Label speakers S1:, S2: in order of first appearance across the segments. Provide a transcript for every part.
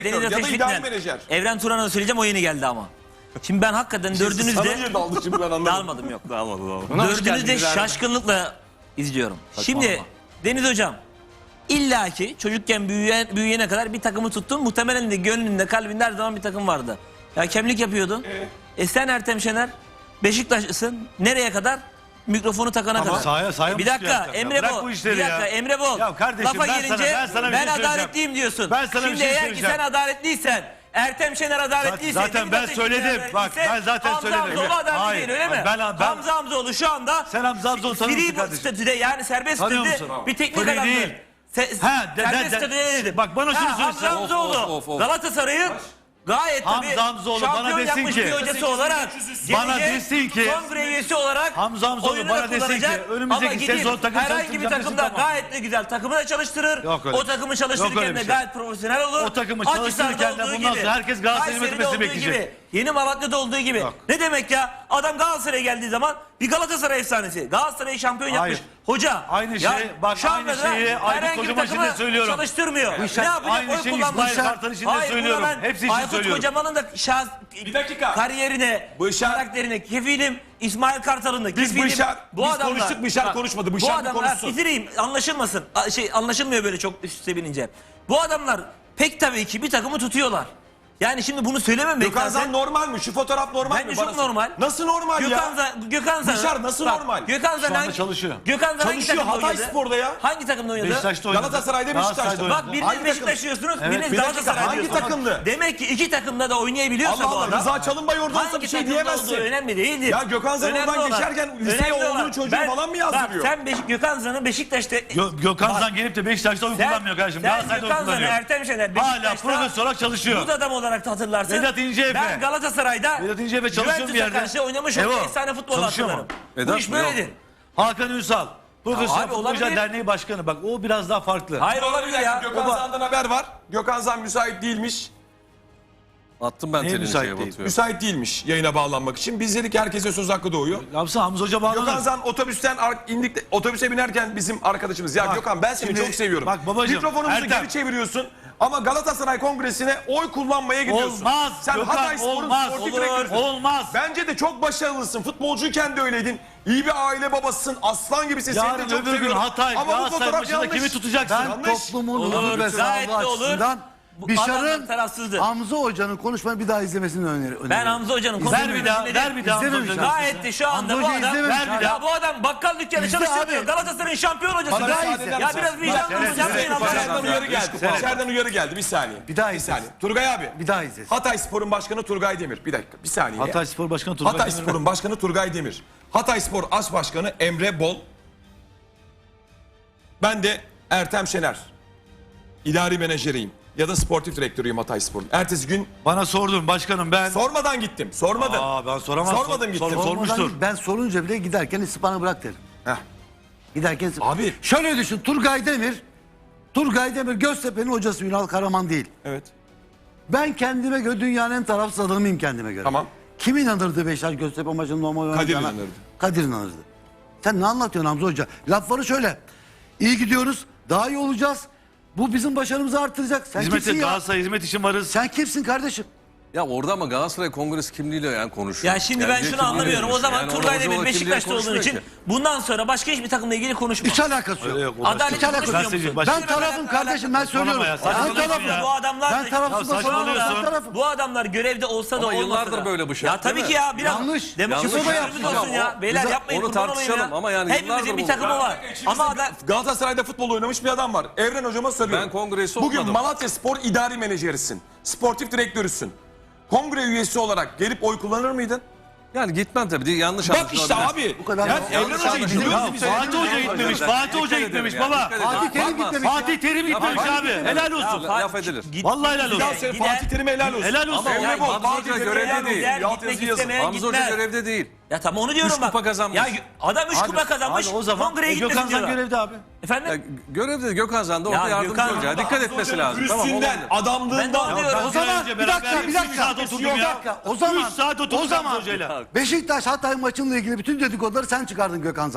S1: Beni de
S2: Ya da
S1: teşvik
S2: idari
S1: eden
S2: menajer.
S1: Evren Turan'a söyleyeceğim, o yeni geldi ama. Şimdi ben hakikaten
S2: Sana
S1: dördünüzde
S2: niye daldı şimdi ben anlamadım.
S1: dalmadım, yok.
S3: Dağılmadı.
S1: Dördünüzü de şaşkınlıkla izliyorum. Şimdi Deniz Hocam, illaki çocukken büyüyene kadar bir takımı tuttun. Muhtemelen de gönlünde, kalbinde her zaman bir takım vardı. Ya hakemlik yapıyordun. Sen Ertem Şener Beşiktaşlısın. Nereye kadar? Mikrofonu takana kadar.
S3: Sahaya
S1: bir dakika Emre Bol. Bir dakika Emre Bol.
S3: Ya kardeşim,
S1: Lafa
S3: ben
S1: gelince
S3: sana bir şey söyleyeceğim.
S1: adaletliyim diyorsun.
S3: Ben sana bir
S1: Şimdi
S3: şey
S1: eğer ki
S3: söyleyeceğim.
S1: sen adaletliysen, Ertem Şener adaletliyse,
S3: Zaten ben söyledim. Bak ben zaten söyledim.
S1: Hamza Hamzoğlu adaletli
S3: Hayır,
S1: değil, öyle mi?
S3: ben-
S1: Hamza Hamzoğlu şu anda
S3: Sen Hamza Hamzoğlu tanıyor musun
S1: free
S3: kardeşim?
S1: statüde, yani serbest
S3: Tanıyor
S1: statüde
S3: musun?
S1: bir teknik
S3: Free
S1: adamdır.
S3: değil.
S1: Serbest statüde ne dedim?
S3: Bak bana şunu
S1: Hamza
S3: söylesene.
S1: Hamzoğlu Galatasaray'ın gayet tabii
S3: Hamza Hamzoğlu bana
S1: şampiyon
S3: desin
S1: yapmış
S3: ki-
S1: bir hocası olarak,
S3: Bana
S1: gelecek
S3: desin ki-
S1: kongre üyesi olarak
S3: Hamza Hamzoğlu
S1: oyunu
S3: bana
S1: da
S3: desin ki,
S1: kullanacak.
S3: önümüzdeki
S1: Ama gidip
S3: sezon takım
S1: herhangi bir
S3: çalıştıracağım
S1: takımda
S3: desin, tamam.
S1: gayet de güzel takımı da çalıştırır.
S3: Yok öyle
S1: O
S3: bir şey.
S1: takımı
S3: Yok öyle
S1: çalıştırırken
S3: bir
S1: de
S3: şey.
S1: gayet profesyonel olur.
S3: O takımı
S1: Akhisar'da
S3: çalıştırırken de
S1: olduğu
S3: bundan
S1: gibi,
S3: sonra herkes Galatasaray'ın
S1: Kayseri'de
S3: yönetmesini
S1: olduğu
S3: bekleyecek.
S1: gibi, Yeni Malatya'da olduğu gibi.
S3: Yok.
S1: Ne demek ya? Adam Galatasaray'a geldiği zaman bir Galatasaray efsanesi. Galatasaray'ı şampiyon yapmış.
S3: Hayır.
S1: Hoca.
S3: Aynı
S1: ya
S3: şey, bak
S1: şu
S3: aynı
S1: anda da
S3: şeyi Aykut
S1: herhangi bir
S3: Kocaman için de
S1: takımı
S3: söylüyorum.
S1: Çalıştırmıyor. Ne
S3: işler-
S1: yapacak?
S3: aynı
S1: Oy
S3: şeyi
S1: kullanmış.
S3: İsmail Kartal için de
S1: Hayır,
S3: söylüyorum.
S1: buna ben
S3: Hepsi için
S1: Aykut
S3: söylüyorum.
S1: Kocaman'ın da
S2: Bir dakika.
S1: kariyerine,
S2: Bışar-
S1: karakterine kefilim. İsmail Kartal'ın da
S2: Biz
S1: kefilim.
S2: biz konuştuk, Bışar konuşmadı. Bışar
S1: bu
S2: bir
S1: adamlar,
S2: konuşsun.
S1: bitireyim, anlaşılmasın. Anlaşılmıyor böyle çok üst üste binince. Bu adamlar pek tabii ki bir takımı tutuyorlar. Yani şimdi bunu söylememek
S2: Gökhan
S1: lazım.
S2: Zan normal mi? Şu fotoğraf normal mi?
S1: Bence
S2: Bana
S1: çok
S2: sor.
S1: normal.
S2: Nasıl normal ya?
S1: Gökhan Zan.
S2: Bışar nasıl normal?
S1: Gökhan Zan
S3: Şu anda çalışıyor.
S1: Gökhan Zan hangi
S2: Çalışıyor,
S1: takımda
S2: Hatay
S1: oynadı?
S2: Spor'da ya.
S1: Hangi takımda oynadı?
S3: Beşiktaş'ta oynadı.
S2: Galatasaray'da,
S3: Galatasaray'da
S2: Beşiktaş'ta.
S3: oynadı.
S1: Bak biriniz
S2: Hangi
S1: Beşiktaş diyorsunuz, biriniz
S2: bir dakika,
S1: Galatasaray
S2: hangi
S1: diyorsunuz.
S2: takımdı?
S1: Demek ki iki takımda da oynayabiliyorsa
S2: Allah
S1: bu
S2: Allah,
S1: adam.
S2: Rıza Çalınbay orada olsa
S1: Hangi
S2: bir şey
S1: takımda
S2: diyemezsin.
S1: olduğu önemli değildir.
S2: Ya Gökhan Zan
S1: Önemli
S2: oradan
S1: olan-
S2: geçerken liseye
S1: önemli
S2: oğlunun
S1: olan-
S2: çocuğu falan mı yazdırıyor?
S1: Bak sen Gökhan Zan'ı Beşiktaş'ta...
S3: Gökhan Zan gelip de Beşiktaş'ta oy kullanmıyor kardeşim.
S1: Sen
S3: Galatasaray'da oy
S1: Gökhan Zan'ı
S3: kullanıyor.
S1: Ertem Şener
S3: Hala
S1: Beşiktaş'ta
S3: profesör olarak çalışıyor.
S1: bu adam olarak da hatırlarsın.
S3: Vedat İnceefe.
S1: Ben Galatasaray'da
S3: Vedat İnceefe çalışıyor bir
S1: Juventus'a
S3: yerde.
S1: karşı oynamış
S3: Evo,
S1: olduğu efsane futbol
S3: çalışıyor mu?
S1: hatırlarım. Bu
S4: Vedat
S1: iş
S4: mı? Yok.
S1: böyledir.
S3: Hakan Ünsal. Profesyonel
S1: abi
S3: Futbolcular
S1: olabilir.
S3: Derneği Başkanı. Bak o biraz daha farklı.
S1: Hayır olabilir ya.
S2: Gökhan Zan'dan haber var. Gökhan Zan müsait değilmiş.
S4: Attım ben
S3: Neye
S4: telini
S3: müsait
S4: şeye
S3: değil?
S4: Batu'ya.
S2: Müsait değilmiş yayına bağlanmak için. Biz dedik herkese söz hakkı doğuyor.
S3: Yapsın Hamza Hoca
S2: Gökhan
S3: bağlanır.
S2: Zan otobüsten indik, otobüse binerken bizim arkadaşımız. Ya
S3: Bak,
S2: Gökhan ben seni
S3: şimdi-
S2: çok seviyorum.
S3: bak babacığım,
S2: Mikrofonumuzu
S3: Ertem.
S2: geri çeviriyorsun. Ama Galatasaray Kongresi'ne oy kullanmaya gidiyorsun.
S3: Olmaz.
S2: Sen
S3: Gökhan,
S2: Hatay Spor'un
S3: olmaz.
S2: sportif
S3: Olur.
S2: direktörüsün.
S3: Olmaz.
S2: Bence de çok başarılısın. Futbolcuyken de öyleydin. İyi bir aile babasısın. Aslan gibisin. Seni de
S3: Yarın
S2: çok
S3: öbür gün
S2: seviyorum.
S3: Hatay,
S2: Ama bu
S3: Galatasaray
S2: fotoğraf
S3: maçında
S2: yanlış.
S3: kimi tutacaksın?
S5: Ben
S2: Yanlış.
S5: toplumun
S1: Olur,
S5: huzur ve
S1: gayet de
S5: sağlığı
S1: olur.
S5: açısından
S1: Bu
S5: Bişar'ın
S1: adamlar tarafsızdır.
S5: Hamza Hoca'nın konuşmayı bir daha izlemesini öneriyorum.
S1: Ben Hamza Hoca'nın
S3: Ver bir daha, ver bir daha Hamza
S5: İzlememiş
S3: Hoca'nın.
S5: abi.
S1: Gayet de şu anda
S5: Hamza
S1: bu
S5: Hoca
S1: adam,
S5: izlememiş
S3: abi.
S1: ya bu adam bakkal dükkanı
S5: İzle
S1: çalıştırmıyor.
S5: abi.
S1: Galatasaray'ın şampiyon hocası.
S2: Bana
S1: Ya,
S2: müsaade eder
S1: ya
S2: misin?
S1: biraz vicdanınız yapmayın Allah
S2: İçeriden
S1: aşkına.
S2: uyarı geldi. İçeriden uyarı geldi. Bir saniye.
S5: Bir daha
S2: Bir
S5: izlesin.
S2: saniye. Turgay abi.
S5: Bir daha izlesin.
S2: Hatay Spor'un başkanı Turgay Demir. Bir dakika. Bir saniye.
S3: Hatay Spor Başkanı Turgay
S2: Hatay
S3: Demir.
S2: Spor'un başkanı Turgay Demir. Hatay Spor As Başkanı Emre Bol. Ben de Ertem Şener. İdari menajeriyim. Ya da sportif direktörüyüm Hatay Spor'un. Ertesi gün
S3: Bana sordun başkanım ben.
S2: sormadan gittim. Sormadım.
S3: Ben soramam.
S2: Sormadım gittim.
S3: Sormuştur.
S5: Ben sorunca bile giderken İspan'ı bırak derim.
S2: Heh.
S5: Giderken
S2: Abi.
S5: Şöyle düşün, Turgay Demir Göztepe'nin hocası, Ünal Karaman değil.
S2: Evet.
S5: Ben kendime göre dünyanın en tarafsız adamıyım kendime göre.
S2: Tamam.
S5: Kim inanırdı Beşiktaş Göztepe maçının normal oynayacağına?
S2: inanırdı.
S5: Kadir inanırdı. Sen ne anlatıyorsun Hamza Hoca? Lafları şöyle. İyi gidiyoruz, daha iyi olacağız. Bu bizim başarımızı artıracak. Sen
S3: Hizmete
S5: kimsin ya?
S3: Galatasaray hizmet için varız.
S5: Sen kimsin kardeşim?
S4: Ya orada ama Galatasaray Kongresi kimliğiyle yani konuşuyor.
S1: Ya şimdi
S4: Yani
S1: ben
S4: bir
S1: şunu
S4: kimliğiyle
S1: anlamıyorum. O
S4: konuşuyor.
S1: zaman
S4: Yani
S1: Turgay
S4: orada
S1: Demir
S4: hoca
S1: Beşiktaş'ta olduğun
S4: konuşmuyor
S1: için
S4: ki.
S1: bundan sonra başka hiçbir takımla ilgili konuşma.
S5: Hiç alakası yok.
S3: Öyle yok.
S1: Adalet
S5: Hiç alakası
S1: konuşmuyor
S3: yok.
S1: musun?
S3: Ben
S5: Ben tarafım kardeşim, ben söylüyorum.
S3: ya,
S5: Ben
S3: saçmalıyorsun
S5: tarafım.
S3: ya.
S1: Bu adamlar
S5: Ben tarafsız
S3: Ya
S5: da
S3: saçmalıyorsun.
S5: ben tarafım.
S1: Bu adamlar görevde olsa da
S4: Ama
S1: olmasa
S4: yıllardır
S1: da.
S4: böyle bu şey,
S1: Ya
S4: değil
S1: tabii
S4: mi?
S1: ki ya biraz
S5: Yanlış.
S1: demokrasi
S4: Yanlış.
S1: sözümüz olsun
S4: Ya,
S1: ya. Beyler
S4: Bize-
S1: yapmayın,
S4: onu
S1: kurban olayım
S4: tartışalım
S1: ya.
S4: ama yani
S1: Hepimizin
S4: yıllardır
S1: bir
S4: bu-
S1: takımı var. Ama
S2: Galatasaray'da futbol oynamış bir adam var. Evren hocama soruyorum.
S4: Ben kongresi
S2: Bugün
S4: olmadım.
S2: Malatya Spor idari menajerisin. Sportif direktörüsün. Kongre üyesi olarak gelip oy kullanır mıydın?
S4: Yani gitmem tabii. Yanlış
S2: Bak
S4: anlaşılabilir.
S2: işte abi.
S5: Bu kadar
S2: Ya
S5: yanlış
S2: Evren Hoca
S4: anlaşılabilir.
S2: gidiyor.
S3: Ya Fatih Hoca gitmemiş. Fatih Hoca gitmemiş baba.
S5: Fatih Terim gitmemiş.
S3: Fatih Terim gitmemiş abi. Helal olsun.
S4: Laf edilir.
S3: Vallahi helal
S2: Bir daha
S3: olsun.
S2: söyle
S1: Gider.
S2: Fatih Terim'e helal olsun.
S3: Helal olsun.
S4: Ama
S2: Emre
S4: yani
S2: Bol,
S4: Hamza
S2: Fatih
S4: Hoca
S2: Terim'e
S4: görevde
S2: helal
S4: değil.
S2: olsun.
S1: Gider,
S2: Alt
S1: gitmek
S2: yazı yazın.
S1: istemeyen
S4: Hamza Hoca
S1: gitmez.
S4: görevde değil.
S1: Ya tamam onu diyorum
S4: Üç
S1: bak.
S4: kupa kazanmış.
S1: Ya adam 3 kupa kazanmış.
S3: Abi o zaman
S1: Kongreye
S3: Gökhan
S1: gitmesin
S3: Zan
S1: diyorlar.
S3: görevde abi.
S4: Ya,
S1: Efendim?
S4: görevde Gökhan Zan da orada
S1: Ya
S4: yardımcı
S1: Gökhan-
S4: olacak. Dikkat etmesi lazım. Tamam
S2: Üstünden,
S4: olabilir.
S1: Ben de
S2: adamlığından.
S1: onu diyorum.
S3: Ben
S5: O zaman
S3: önce
S5: bir dakika,
S3: beraber
S5: bir dakika.
S3: 3 saat oturdum
S5: Bir
S3: ya.
S5: dakika. O zaman
S3: 3 saat oturduk
S5: o zaman
S3: Hamza Hoca'yla.
S5: Beşiktaş Hatay maçıyla ilgili bütün dedikoduları sen çıkardın Gökhan Zan.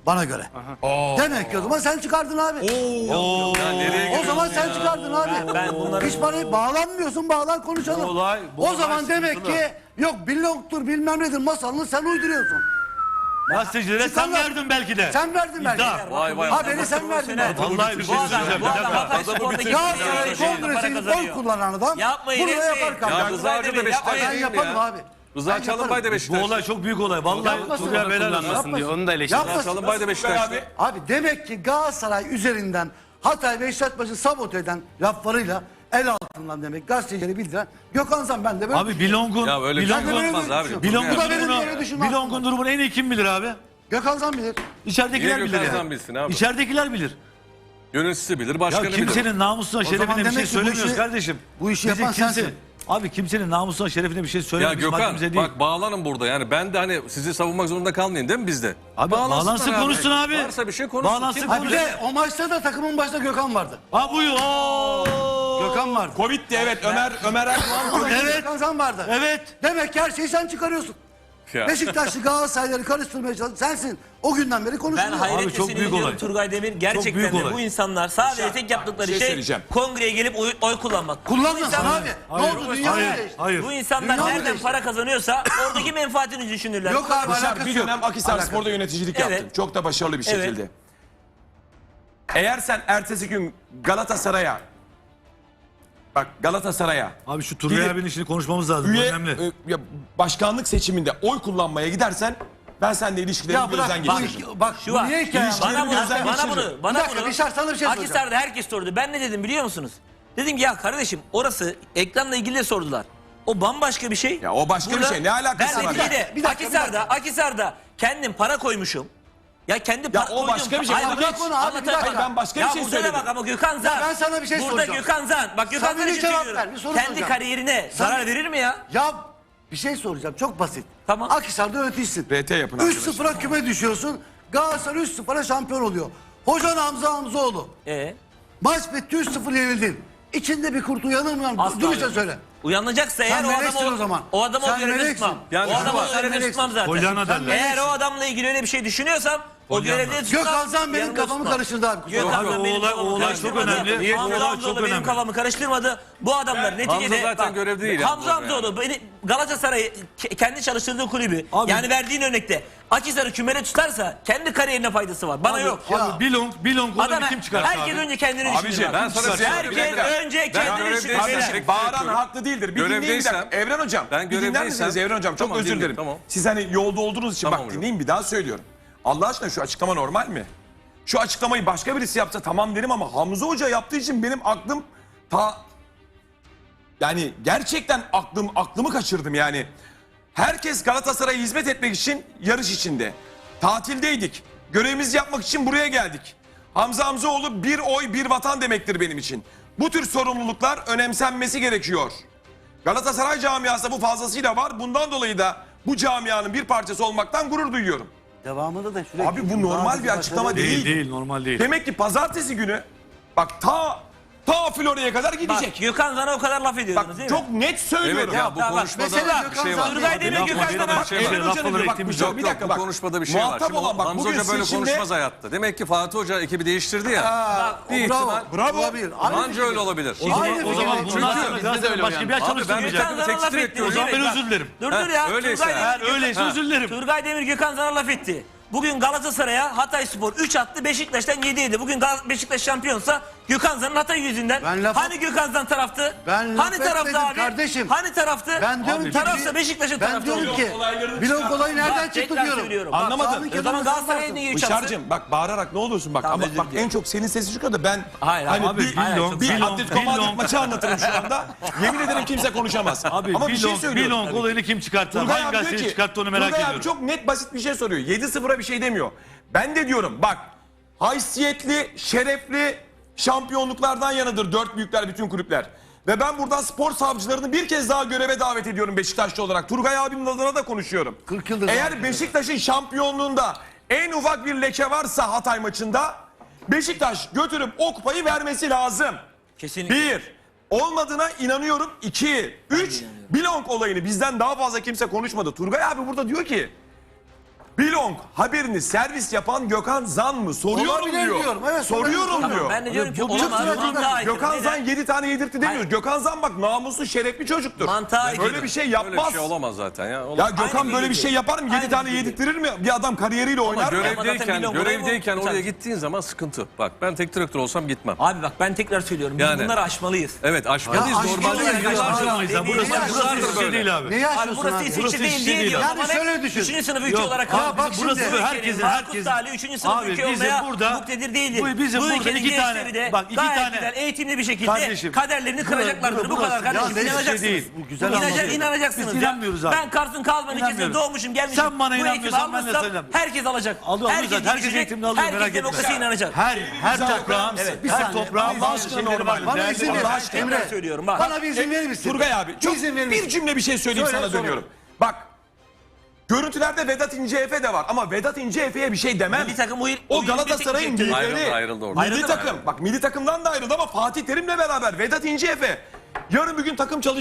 S5: Bana göre. Demek ki o zaman sen çıkardın abi. O zaman sen çıkardın abi.
S1: Ben bunları-
S5: Hiç bana bağlanmıyorsun, bağlan konuşalım.
S3: bu
S5: O
S3: olay
S5: zaman demek
S3: sıkıntılı.
S5: ki yok billongtur bilmem nedir masalını sen uyduruyorsun.
S3: Gazetecilere sen
S5: Çıkanlar-
S3: verdin belki de.
S5: Sen verdin belki.
S3: İddia.
S4: Vay vay.
S5: Ha beni sen verdin. abi.
S3: Vallahi bir şey
S1: Bu adam,
S3: söyleyeceğim.
S1: bu
S3: Bir
S1: adam
S3: dakika.
S1: Hatay Spor'daki
S5: Galatasaray
S1: para
S5: Kongresi'nin oy
S1: kazanıyor.
S5: kullanan adam
S1: Yapmayın,
S5: bunu da
S1: etmeyin.
S5: yapar
S4: Ya
S5: kardeşim.
S4: Rıza Hoca da Beşiktaş
S5: Ben
S4: değil mi
S5: yaparım
S4: ya?
S5: abi.
S4: Rıza
S5: Ben
S4: Çalınbay da
S5: yaparım.
S3: Bu
S4: Beşiktaş.
S3: olay çok büyük olay. Vallahi
S5: Yapmasın.
S3: Turgay helal olsun.
S5: Yapmasın.
S6: diyor. Onu da eleştiriyor.
S5: Yapmasın.
S4: Çalınbay da Beşiktaş'ta.
S5: Abi demek ki Galatasaray üzerinden Hatay Beşiktaş maçı sabote eden laflarıyla el altından demek gazetecileri bildiren Gökhan Zan ben de böyle
S3: Abi Bilong'un
S4: Ya öyle bir
S5: Ben de
S4: şey
S5: böyle
S4: olmaz abi.
S5: düşünüyorum.
S3: Bilong'un
S5: Bu da benim
S3: durumunu,
S5: böyle düşünmem.
S3: Bilong'un durumunu en iyi kim bilir abi?
S5: Gökhan Zan bilir.
S3: İçeridekiler
S4: Niye
S3: bilir
S4: Gökhan
S3: yani.
S4: Zan bilsin abi?
S3: İçeridekiler bilir.
S4: Yöneticisi bilir,
S3: Ya
S4: başkanı bilir.
S3: kimsenin namusuna,
S5: O zaman
S3: şerefine bir
S5: demek
S3: şey
S5: ki bu
S3: söylemiyoruz
S5: işi-
S3: kardeşim.
S5: bu işi
S3: Bizim
S5: yapan sensin.
S3: Abi kimsenin namusuna, şerefine bir şey
S4: Ya
S3: söylememiş
S4: Gökhan
S3: haddimize değil.
S4: bak bağlanın burada yani ben de hani sizi savunmak zorunda kalmayayım değil mi bizde?
S3: Abi bağlansın konuşsun abi.
S4: Varsa bir şey konuşsun.
S3: Bağlansın
S4: Kim-
S5: Ha bir de o maçta da takımın başında Gökhan vardı.
S3: Ha buyur. Oo.
S5: Gökhan vardı.
S2: Covid'di evet Ömer Erdoğan.
S3: Evet.
S5: Gökhan Zan vardı.
S3: Evet.
S5: Demek ki her şeyi sen çıkarıyorsun.
S4: Ya.
S5: Beşiktaşlı Galatasarayları karıştırmaya çalışan sensin. O günden beri
S1: Ben
S5: konuşuyorsun.
S1: hayretle
S3: çok büyük
S1: seyrediyorum
S3: olay.
S1: Turgay Demir.
S3: büyük
S1: Gerçekten de
S3: olay.
S1: bu insanlar sadece tek yaptıkları
S2: şey
S1: şey
S2: söyleyeceğim.
S1: kongreye gelip oy kullanmak.
S5: Kullanmasın
S1: İnsanlar-
S5: abi.
S3: Hayır.
S5: Ne oldu? Dünya mı
S3: Hayır.
S5: değişti?
S3: Hayır.
S1: Bu insanlar
S5: Dünya mı
S1: nereden
S5: değişti?
S1: para kazanıyorsa oradaki menfaatini düşünürler.
S5: Yok abi
S2: Başar
S5: alakası
S2: bir
S5: yok.
S2: dönem Akhisar
S5: Alakası.
S2: Spor'da yöneticilik
S1: Evet.
S2: yaptın. Çok da başarılı bir
S1: Evet.
S2: şekilde. Eğer sen ertesi gün Galatasaray'a
S3: Abi şu Turgay
S2: Gidip-
S3: abinin işini konuşmamız lazım. Bu
S2: üye
S3: önemli.
S2: ya başkanlık seçiminde oy kullanmaya gidersen ben seninle ilişkilerimi
S5: Ya bırak
S2: gözden
S5: bak,
S2: geçiririm.
S5: bak
S1: Şu
S5: bu
S1: var.
S5: niye hikaye?
S2: İlişkileri
S1: Bana bunu,
S2: gözden
S1: bana
S2: geçiririm.
S1: bunu, bana
S5: Bir dakika,
S1: bunu.
S5: bir sana bir şey soracağım.
S1: Akhisar'da herkes sordu. Ben ne dedim biliyor musunuz? Dedim ki ya kardeşim orası ekranla ilgili de sordular. O bambaşka bir şey.
S2: Ya o başka bir şey. Ne alakası
S1: ben
S2: var?
S1: neticede
S5: Bir dakika.
S1: Akhisar'da kendim para koymuşum. Ya kendi
S2: Ya
S1: para
S2: o başka bir şey.
S1: Hayır,
S2: Onu
S1: bak,
S2: geç.
S5: Konu abi, bir dakika.
S1: anlatamam.
S2: Ben başka bir
S1: Ya
S2: şey
S1: burada da
S2: söyledim.
S1: bak ama Gökhan Zan.
S5: ben sana bir şey
S1: burada
S5: soracağım.
S1: Gökhan Zan. Bak Gökhan
S5: Sen
S1: Zan'ı
S5: bir cevap
S1: söylüyorum.
S5: ver, bir soru
S1: Kendi
S5: soracağım.
S1: kariyerine
S5: Sen-
S1: zarar verir mi ya?
S5: Ya bir şey soracağım çok basit.
S1: Tamam.
S5: Akhisar'da yöneticisin.
S2: RT yapın
S5: 3-0'a küme düşüyorsun. Galatasaray 3-0'a şampiyon oluyor. Hocan Hamza Hamzoğlu. Maç bitti 3-0 yenildin. İçinde bir kurt uyanır mı?
S1: Asla
S5: Dürüstçe
S1: yok.
S5: söyle.
S1: Uyanacaksa eğer
S5: Sen
S1: o
S5: meleksin
S1: adamı
S5: o zaman.
S1: o adamı
S5: Sen
S1: o görevde
S5: meleksin.
S1: tutmam.
S4: Yani
S1: o adamı
S4: bak,
S1: o görevde
S5: meleksin.
S1: tutmam zaten.
S3: Polyana derler.
S1: Eğer o adamla ilgili öyle bir şey düşünüyorsam o
S3: Polyana.
S1: görevde tutmam.
S5: Gökhan Zan benim
S1: yanımda
S5: kafamı
S1: tutmam.
S5: karıştırdı abi. kusura
S1: Gökhan
S5: bakma.
S3: Abi,
S1: Zan
S3: o
S1: benim
S3: olay-
S1: kafamı
S3: o olay çok
S1: karıştırmadı.
S3: önemli.
S4: Niye?
S1: Hamza
S3: O olay
S1: Hamzoğlu
S3: çok
S1: benim
S3: önemli.
S1: kafamı karıştırmadı. Bu adamlar neticede...
S4: zaten
S1: bak,
S4: görevde değil
S1: Hamza
S4: yalnız
S1: Hamzoğlu beni Galatasaray kendi çalıştırdığı kulübü
S3: Abi-
S1: yani verdiğin örnekte Akhisar'ı kümele tutarsa kendi kariyerine faydası var. Bana yok.
S3: Abi Bilong
S1: Adam
S3: olayını kim çıkarttı
S1: herkes
S3: abi?
S1: önce kendini
S2: Abiciğim,
S1: düşünür.
S4: ben sana bir şey söyleyeyim. Bir
S1: Herkes
S4: dakika.
S1: önce
S4: Ben
S1: kendini
S4: görevdeysem-
S1: düşünür.
S2: Kardeşim
S4: Direkt
S2: bağıran
S4: söylüyorum.
S2: haklı değildir. Bir dinleyin bir
S4: Görevdeysem-
S2: dakika. Evren hocam
S4: Ben
S2: bir dinler
S4: görevdeysem-
S2: misiniz Evren hocam? Çok
S4: Tamam,
S2: özür
S4: dinliyorum,
S2: dilerim.
S4: tamam.
S2: Siz hani yolda olduğunuz için
S4: Tamam
S2: bak
S4: hocam.
S2: dinleyin bir daha söylüyorum. Allah aşkına şu açıklama normal mi? Şu açıklamayı başka birisi yapsa tamam derim ama Hamza Hoca yaptığı için benim aklım yani gerçekten aklımı kaçırdım yani. Herkes Galatasaray'a hizmet etmek için yarış içinde. Tatildeydik. Görevimizi yapmak için buraya geldik. Hamza Hamzoğlu bir oy bir vatan demektir benim için. Bu tür sorumluluklar önemsenmesi gerekiyor. Galatasaray camiası bu fazlasıyla var. Bundan dolayı da bu camianın bir parçası olmaktan gurur duyuyorum.
S5: Devamında da sürekli.
S2: Abi bu normal bir açıklama değil.
S3: Değil normal değil.
S2: Demek ki pazartesi günü bak ta Florya'ya kadar gidecek.
S1: Bak Gökhan Zan'a o kadar laf
S2: Bak
S1: ediyordunuz değil mi?
S2: çok net söylüyorum.
S4: Evet ya bu
S1: bak,
S4: konuşmada
S5: mesela
S4: bir şey
S5: Gökhan
S4: var.
S5: Zan-
S1: Turgay Demir
S3: Yapma,
S1: Gökhan
S3: yapma,
S1: Zan'a
S3: bir şey var.
S2: Evren Hoca'nın
S3: Lafları
S2: bir bak,
S3: ettiğimiz
S2: bir
S3: yok.
S2: bir dakika
S4: Bu
S2: bak.
S4: konuşmada bir şey var.
S2: Muhatap
S4: Şimdi
S2: olan bak
S4: Hamza
S2: bugün
S4: Hoca böyle
S2: siz şimdi-
S4: konuşmaz hayatta. Demek ki Fatih Hoca ekibi değiştirdi ya. bir
S5: bravo.
S4: ihtimal.
S5: Bravo. Olabilir. Aynı
S4: Anca
S5: fikir.
S4: öyle olabilir.
S3: O zaman,
S5: Aynı
S3: o zaman
S5: fikir.
S3: bundan
S5: Çünkü
S3: sonra
S6: bizde de
S3: Galatasaray
S6: öyle
S3: başka bir
S6: yani.
S3: çalıştırmayacak.
S1: Gökhan Zan'a
S4: tekstil
S1: laf etti.
S4: ediyor.
S3: O zaman ben
S1: Bak,
S3: özür dilerim.
S1: Dur ya.
S4: öyleyse
S1: Turgay
S4: eğer
S1: Demir-
S3: Öyleyse özür dilerim.
S1: Turgay Demir Gökhan Zan'a laf etti. Bugün Galatasaray'a Hatay Spor 3 attı, Beşiktaş'tan 7 yedi. Bugün Beşiktaş şampiyonsa Gökhan Zan'ın Hatay yüzünden.
S5: Ben laf-
S1: Hani Gökhan Zan taraftı?
S5: Ben laf
S1: Hani taraftı
S5: etmedim
S1: abi?
S5: kardeşim.
S1: Hani taraftı?
S5: Ben diyorum ki
S1: tarafsa Beşiktaş'ın
S5: ben
S1: tarafı.
S5: diyorum ki blok olayı nereden çıktı
S1: tekrar
S5: diyorum.
S1: söylüyorum.
S2: Anlamadın.
S5: Sahanın
S1: O zaman
S5: kenarında
S1: Galatasaray'ın
S5: sen
S1: ne
S5: varsın.
S1: gibi çalsın?
S2: Bışar'cığım bak bağırarak ne olursun bak
S1: Tamam,
S2: ama
S1: özür
S2: bak
S1: dilerim.
S2: en çok senin sesin çıkıyor da ben
S1: Hayır,
S2: hani
S1: abi,
S2: bir,
S1: hayır,
S3: Billong,
S1: çok
S2: bir
S1: güzel.
S2: Atletico Madrid
S3: Billong.
S2: maçı anlatırım şu anda. Yemin ederim kimse konuşamaz.
S3: Abi
S2: ama bir şey söylüyorum.
S3: Bilong olayını kim çıkarttı?
S2: Turgay
S3: Hangi
S2: abi diyor
S3: gazeteci
S2: ki,
S3: çıkarttı onu merak
S2: Turgay abi
S3: ediyorum.
S2: çok net basit bir şey soruyor. 7-0'a bir şey demiyor. Ben de diyorum bak haysiyetli, şerefli şampiyonluklardan yanıdır dört büyükler bütün kulüpler. Ve ben buradan spor savcılarını bir kez daha göreve davet ediyorum Beşiktaşlı olarak. Turgay abimin adına da konuşuyorum.
S5: 40 yıldır
S2: Eğer
S5: davet
S2: Beşiktaş'ın şampiyonluğunda en ufak bir leke varsa Hatay maçında Beşiktaş götürüp o kupayı vermesi lazım.
S1: Kesinlikle.
S2: Bir, olmadığına inanıyorum. İki, üç, Bilong olayını bizden daha fazla kimse konuşmadı. Turgay abi burada diyor ki Bilong haberini servis yapan Gökhan Zan mı? Soruyorum
S5: Olabilir
S2: diyor.
S5: diyorum, evet,
S2: Soruyorum
S5: olabilir.
S2: diyor.
S1: Ben de diyorum ki
S5: Bu
S1: olamaz.
S5: çok
S1: Mantığa aykırı.
S2: Gökhan Zan
S1: Neden?
S2: 7 tane yedirtti demiyoruz.
S1: Hayır.
S2: Gökhan Zan bak namuslu şerefli çocuktur.
S1: Mantığa aykırı.
S2: Böyle bir şey
S4: Öyle bir
S2: yapmaz.
S4: şey olamaz zaten ya.
S2: Ya Gökhan
S1: Aynı
S2: böyle bir
S1: bilgi.
S2: şey yapar mı? 7
S1: Aynı
S2: tane
S1: bilgi.
S2: yedirttirir mi? Bir adam kariyeriyle oynar mı?
S1: Zaten milyon
S4: Görevdeyken
S1: doları bu.
S4: oraya gittiğin zaman sıkıntı. Bak ben tek direktör olsam gitmem.
S1: Abi bak ben tekrar söylüyorum. Biz
S4: Yani.
S1: bunları aşmalıyız.
S4: Evet aşmalıyız.
S5: Ya
S4: Normalde
S5: aşmalıyız,
S4: yıllardır
S5: ya.
S3: Burası İsviçre değil abi.
S5: Neyi
S1: Abi
S5: aşıyorsun
S1: burası
S5: abi?
S1: İsviçre
S3: Burası
S1: değil
S3: İsviçre
S1: diye
S3: değil
S1: diyor.
S3: abi.
S5: Yani şöyle düşün.
S1: 3. sınıf ülke
S3: Yok.
S1: olarak
S5: Ya
S1: kaldık.
S5: bak
S1: Bizim
S5: şimdi-
S1: ülkenin
S3: Burası
S1: Markus
S3: herkesin-
S1: Salih 3. sınıf
S3: Abi
S1: ülke
S3: bizim
S1: olmaya
S3: burada-
S1: muktedir değildir.
S3: bizim burada
S1: ülkenin
S3: iki tane-
S1: gençleri de
S3: bak iki
S1: gayet
S3: tane-
S1: güzel eğitimli bir şekilde
S3: Kardeşim,
S1: kaderlerini kıracaklardır. Bu kadar
S3: burası-
S1: kardeşim.
S5: Ya neyse
S1: İnanacaksınız.
S3: değil. Bu güzel anlatıyor.
S1: İnanacaksınız.
S3: Biz
S1: ya.
S3: inanmıyoruz abi.
S1: Ben Kars'ın Kazman ilçesinde
S3: İnanmıyoruz.
S1: doğmuşum gelmişim.
S3: Sen bana
S1: Bu eğitimi
S3: inanmıyorsan ben de
S1: almışsam
S3: sana inanmıyorum.
S1: herkes alacak.
S3: Alıyor, zaten. Herkes
S1: gidecek,
S3: eğitimini alıyor,
S1: herkes
S3: merak etme.
S1: demokrasiye inanacak.
S3: Her toprağın,
S1: Evet.
S5: Bir
S3: her
S5: saniye.
S3: toprağın
S5: Bana
S3: bazı
S5: izin
S3: şeyleri
S2: verin.
S3: var.
S5: Bana
S3: Değerli
S5: izin
S3: var.
S5: ver.
S1: Allah aşkına
S5: Emre,
S1: ben söylüyorum bak.
S5: bana bir izin verir misin?
S2: Turgay abi çok
S5: İzin verir misin?
S2: bir cümle bir şey söyleyeyim
S5: Söyle,
S2: sana
S5: söyle.
S2: dönüyorum. Bak görüntülerde Vedat İnceefe de var ama Vedat İnceefe'ye bir şey demem.
S1: Milli takım
S2: O Galatasaray'ın
S1: milli
S4: Ayrıldı orada.
S2: milli
S1: Ayrıldı mı?
S2: takım. Bak milli takımdan da ayrıldı ama Fatih Terim'le beraber Vedat İnceefe yarın bir gün takım